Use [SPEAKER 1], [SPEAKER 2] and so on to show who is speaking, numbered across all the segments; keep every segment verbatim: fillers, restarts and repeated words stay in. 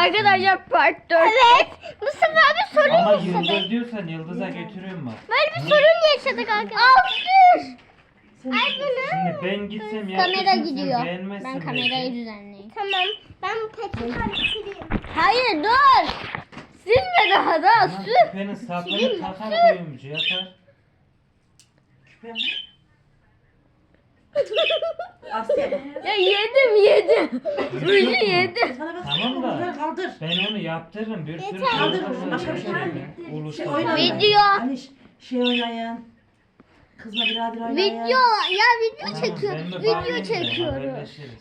[SPEAKER 1] Arkadaşlar part dört.
[SPEAKER 2] Evet. Mustafa abi sorun
[SPEAKER 3] Ama
[SPEAKER 2] yaşadık.
[SPEAKER 3] Yıldız diyorsan Yıldız'a götürüyorum bak.
[SPEAKER 2] Böyle bir sorun yaşadık arkadaşlar. Aldır. Ay bunu.
[SPEAKER 3] Şimdi ben gitsem
[SPEAKER 2] Kamera
[SPEAKER 3] yaptırsın,
[SPEAKER 2] gidiyor.
[SPEAKER 3] sen beğenmezsin
[SPEAKER 2] Ben
[SPEAKER 3] belki.
[SPEAKER 2] kamerayı düzenleyeyim. Tamam. Ben bu peçeteyi sileyim.
[SPEAKER 1] Hayır dur. Silme daha da
[SPEAKER 3] Tamam,
[SPEAKER 1] sür.
[SPEAKER 3] küpenin sapını takar koyumcu yapar.
[SPEAKER 4] Küpe mi? Asya bak.
[SPEAKER 1] Ya yedim yedim. Ruju yedim.
[SPEAKER 4] Sana bak.
[SPEAKER 3] Tamam da.
[SPEAKER 4] Bunları kaldır.
[SPEAKER 3] Ben onu yaptırırım. Bir sürü
[SPEAKER 2] Yeter.
[SPEAKER 4] Kaldır
[SPEAKER 3] şey
[SPEAKER 4] bunu. Başka bir şey
[SPEAKER 3] yapacağım
[SPEAKER 4] yok.
[SPEAKER 3] ya.
[SPEAKER 4] Şey
[SPEAKER 3] Ulusal.
[SPEAKER 4] oynayın.
[SPEAKER 1] Video.
[SPEAKER 4] Hani şey oynayın. Kızla birader oynayın.
[SPEAKER 1] Video ya video
[SPEAKER 3] Tamam,
[SPEAKER 1] çekiyor.
[SPEAKER 3] ben de
[SPEAKER 1] Video
[SPEAKER 3] bağlayayım da
[SPEAKER 1] çekiyoruz.
[SPEAKER 3] haberleşiriz.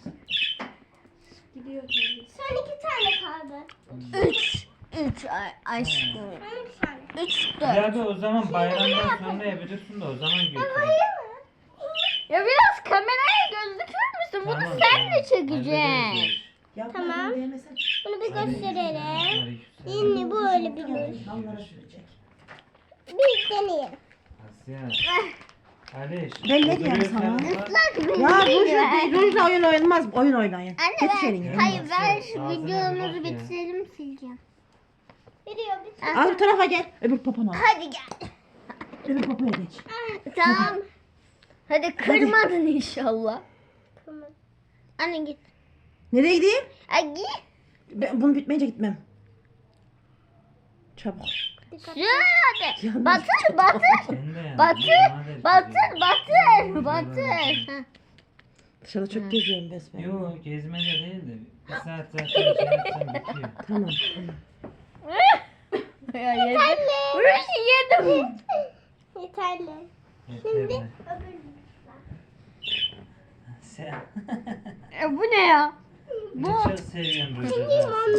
[SPEAKER 2] Son iki tane kaldı.
[SPEAKER 1] Üç. Üç ay, aşkım.
[SPEAKER 2] Son iki tane.
[SPEAKER 1] Üç dört.
[SPEAKER 3] Ya da o zaman bayramdan sonra yapabilirsin de o zaman götür.
[SPEAKER 1] Ya biraz kameraya gözükür müsün? Bunu
[SPEAKER 3] Tamam,
[SPEAKER 1] sen
[SPEAKER 3] tamam.
[SPEAKER 1] de çekeceksin.
[SPEAKER 4] Yapma,
[SPEAKER 2] Tamam.
[SPEAKER 4] bunu değmesin.
[SPEAKER 2] Bunu bir gösterelim.
[SPEAKER 3] Aleykümselam.
[SPEAKER 2] Yine böyle bir göz.
[SPEAKER 4] Dallara sürecek.
[SPEAKER 2] Bir deneyelim.
[SPEAKER 3] Asya. Aliş.
[SPEAKER 4] Ben ne
[SPEAKER 3] bu
[SPEAKER 4] diyeyim
[SPEAKER 3] duruyor
[SPEAKER 4] sana?
[SPEAKER 3] sen bak.
[SPEAKER 4] Ya rujla, rujla oyun oynanmaz. Oyun oynayın.
[SPEAKER 2] Anne
[SPEAKER 4] Getir
[SPEAKER 2] ben,
[SPEAKER 4] şeyini.
[SPEAKER 2] hayır ben şu
[SPEAKER 3] Ağzına bir
[SPEAKER 2] videomuzu
[SPEAKER 3] bak ya.
[SPEAKER 2] bitirelim sileceğim. Veriyor bir
[SPEAKER 4] Al bu tarafa gel. Öbür popona.
[SPEAKER 2] Hadi gel.
[SPEAKER 4] Öbür popaya geç.
[SPEAKER 1] Tamam. Hadi kırmadın inşallah.
[SPEAKER 2] Tamam. Anne git.
[SPEAKER 4] Nereye gideyim?
[SPEAKER 2] Ay git.
[SPEAKER 4] Ben bunu bitmeyince gitmem. Çabuk.
[SPEAKER 2] Dikkat.
[SPEAKER 1] Sür hadi.
[SPEAKER 4] Yanlış.
[SPEAKER 1] Batır batır.
[SPEAKER 3] Sen de yani,
[SPEAKER 1] Batır.
[SPEAKER 3] bana der
[SPEAKER 1] Batır
[SPEAKER 3] ki
[SPEAKER 1] batır.
[SPEAKER 3] diyor.
[SPEAKER 1] Batır. Heh.
[SPEAKER 4] Dışarıda çok geziyorum besbelli.
[SPEAKER 3] Yo gezmece değil de bir saat zaten şey yapsam bitiyor.
[SPEAKER 4] Tamam tamam.
[SPEAKER 1] Ya yedim. Ruju yedim.
[SPEAKER 2] Yeterli.
[SPEAKER 3] Yeterli. Sen.
[SPEAKER 1] E, bu ne ya?
[SPEAKER 3] Bu. Çok seviyorum böyle.